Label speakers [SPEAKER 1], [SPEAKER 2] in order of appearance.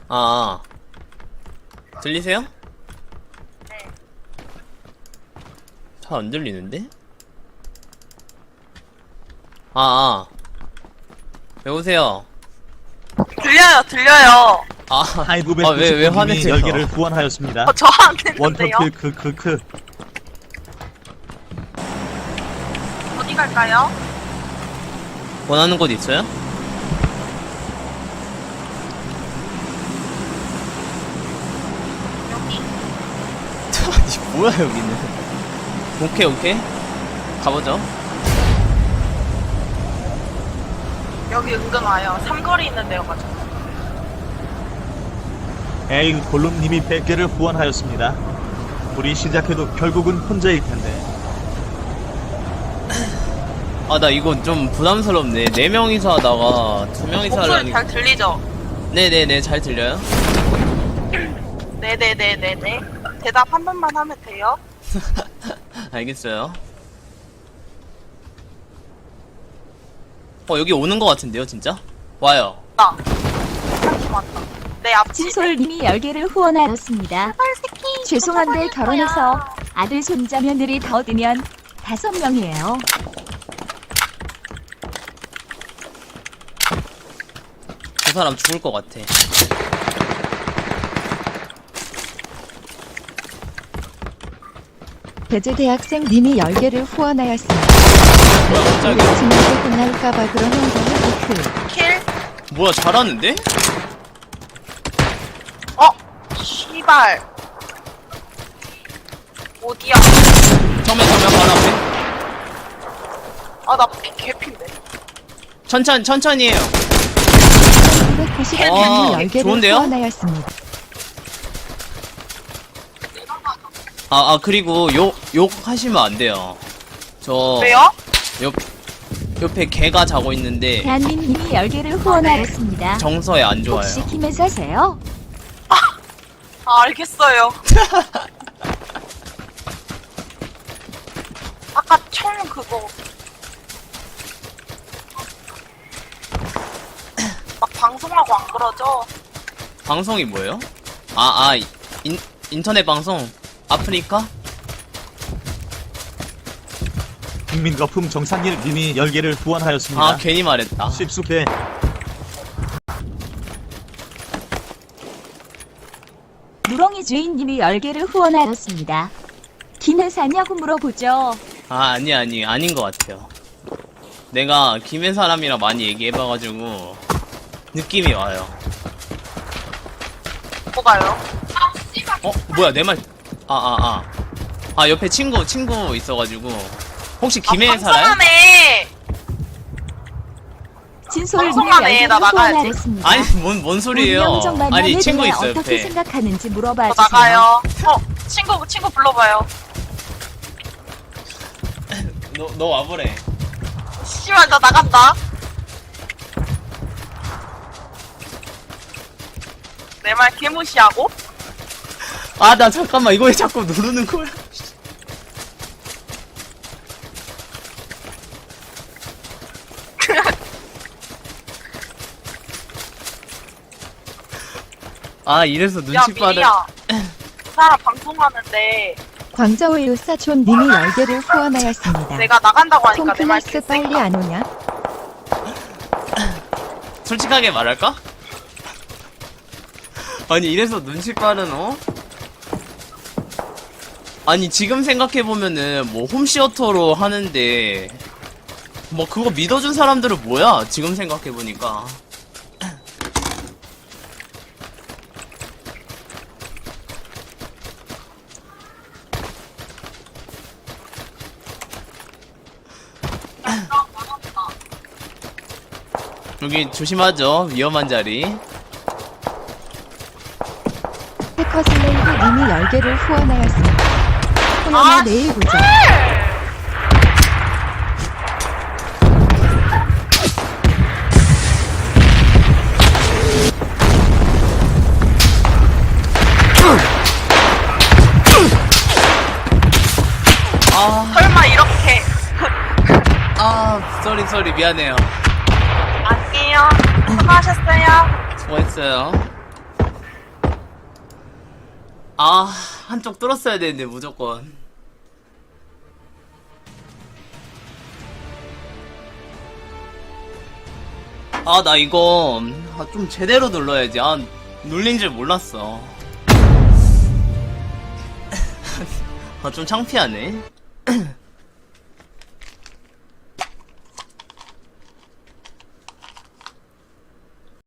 [SPEAKER 1] 아, 들리세요?
[SPEAKER 2] 네.
[SPEAKER 1] 잘 안 들리는데? 아, 여보세요?
[SPEAKER 2] 들려요.
[SPEAKER 1] 아,
[SPEAKER 3] 하이브의
[SPEAKER 1] 왜
[SPEAKER 3] 99님이
[SPEAKER 1] 화내세요?
[SPEAKER 3] 10개를 후원하였습니다.
[SPEAKER 2] 저한테
[SPEAKER 3] 원턴
[SPEAKER 2] 는데요
[SPEAKER 3] 크크크.
[SPEAKER 2] 어디 갈까요?
[SPEAKER 1] 원하는 곳 있어요?
[SPEAKER 2] 여기.
[SPEAKER 1] 아니, 뭐야, 여기는. 오케이. 가보죠.
[SPEAKER 2] 여기 은근 와요. 삼거리 있는 데여가지고.
[SPEAKER 3] 에이 골룸님이 100개를 후원하였습니다. 우리 시작해도 결국은 혼자일 텐데.
[SPEAKER 1] 아, 나 이거 좀 부담스럽네. 4명이서 하다가 2명이서
[SPEAKER 2] 목소리
[SPEAKER 1] 하려니.
[SPEAKER 2] 잘 들리죠?
[SPEAKER 1] 네네네, 잘 들려요?
[SPEAKER 2] 네네네네네. 대답 한 번만 하면 돼요?
[SPEAKER 1] 알겠어요. 여기 오는 것 같은데요, 진짜? 와요.
[SPEAKER 2] 나. 한팀 왔다. 내 앞집에.
[SPEAKER 4] 진솔님이 10개를 후원하였습니다.
[SPEAKER 2] 새끼.
[SPEAKER 4] 죄송한데
[SPEAKER 2] 어떡할
[SPEAKER 4] 결혼해서
[SPEAKER 2] 거야.
[SPEAKER 4] 아들 손자며느리 더 드면 5명이에요.
[SPEAKER 1] 저 사람 죽을 것 같아.
[SPEAKER 4] 배재대학생님이 10개를 후원하였습니다.
[SPEAKER 1] 뭐야, 갑자기.
[SPEAKER 4] 친구들 혼날까봐 그러는 거예요.
[SPEAKER 2] 킬?
[SPEAKER 1] 뭐야, 잘하는데?
[SPEAKER 2] 씨발. 어디야?
[SPEAKER 1] 정면 바로 앞에.
[SPEAKER 2] 나 개핀데.
[SPEAKER 1] 천천히 해요.
[SPEAKER 4] 990님이 10개를
[SPEAKER 1] 좋은데요?
[SPEAKER 4] 후원하였습니다.
[SPEAKER 1] 그리고 욕 하시면 안 돼요.
[SPEAKER 2] 왜요?
[SPEAKER 1] 옆에 개가 자고 있는데,
[SPEAKER 4] 대한민님이 10개를 후원하였습니다.
[SPEAKER 1] 정서에 안 좋아요.
[SPEAKER 4] 혹시 김에 사세요?
[SPEAKER 2] 알겠어요. 아까 총 그거 막 방송하고 안 그러죠?
[SPEAKER 1] 방송이 뭐예요? 인터넷 방송? 아프리카?
[SPEAKER 3] 국민거품 정상일님이 10개를 후원하였습니다.
[SPEAKER 1] 괜히 말했다.
[SPEAKER 3] 쉽숙해.
[SPEAKER 4] 누렁이 주인님이 10개를 후원하였습니다. 김에 사냐고 물어보죠.
[SPEAKER 1] 아닌 것 같아요. 내가 김해 사람이랑 많이 얘기해봐가지고, 느낌이 와요.
[SPEAKER 2] 뭐가요?
[SPEAKER 1] 뭐야, 내 말, 옆에 친구 있어가지고, 혹시 김해에 살아요?
[SPEAKER 2] 방송하네.
[SPEAKER 4] 진솔님이
[SPEAKER 2] 방송하네.
[SPEAKER 4] 10개를
[SPEAKER 2] 나 나가야지.
[SPEAKER 4] 후원하였습니다.
[SPEAKER 1] 아니, 뭔 소리예요? 아니, 친구 있어요,
[SPEAKER 4] 어떻게
[SPEAKER 1] 옆에.
[SPEAKER 4] 생각하는지 물어봐
[SPEAKER 2] 저
[SPEAKER 4] 주세요.
[SPEAKER 2] 나가요. 친구 불러봐요.
[SPEAKER 1] 너 와보래.
[SPEAKER 2] 씨발 나 나간다. 내 말 개무시하고?
[SPEAKER 1] 나 잠깐만, 이거 왜 자꾸 누르는 거야? 이래서
[SPEAKER 2] 야
[SPEAKER 1] 눈치 빠른.
[SPEAKER 2] 미리야. 그 사람 방송하는데
[SPEAKER 4] 광저우유 사촌님이 10개를 후원하였습니다.
[SPEAKER 2] 내가 나간다고 하니까 내 말
[SPEAKER 4] 톰클래스 빨리 안 오냐?
[SPEAKER 1] 솔직하게 말할까? 아니, 이래서 눈치 빠른, 아니, 지금 생각해보면은, 홈시어터로 하는데, 그거 믿어준 사람들은 뭐야? 지금 생각해보니까. 여기 조심하죠. 위험한 자리.
[SPEAKER 4] 해커슬레이브님이 10개를 후원하였습니다. 호연아 내일 보자.
[SPEAKER 2] 설마 이렇게
[SPEAKER 1] 쏘리 미안해요.
[SPEAKER 2] 안녕. 수고하셨어요.
[SPEAKER 1] 수고했어요. 아, 한쪽 뚫었어야 되는데, 무조건. 아, 나 이거, 좀 제대로 눌러야지. 눌린 줄 몰랐어. 좀 창피하네.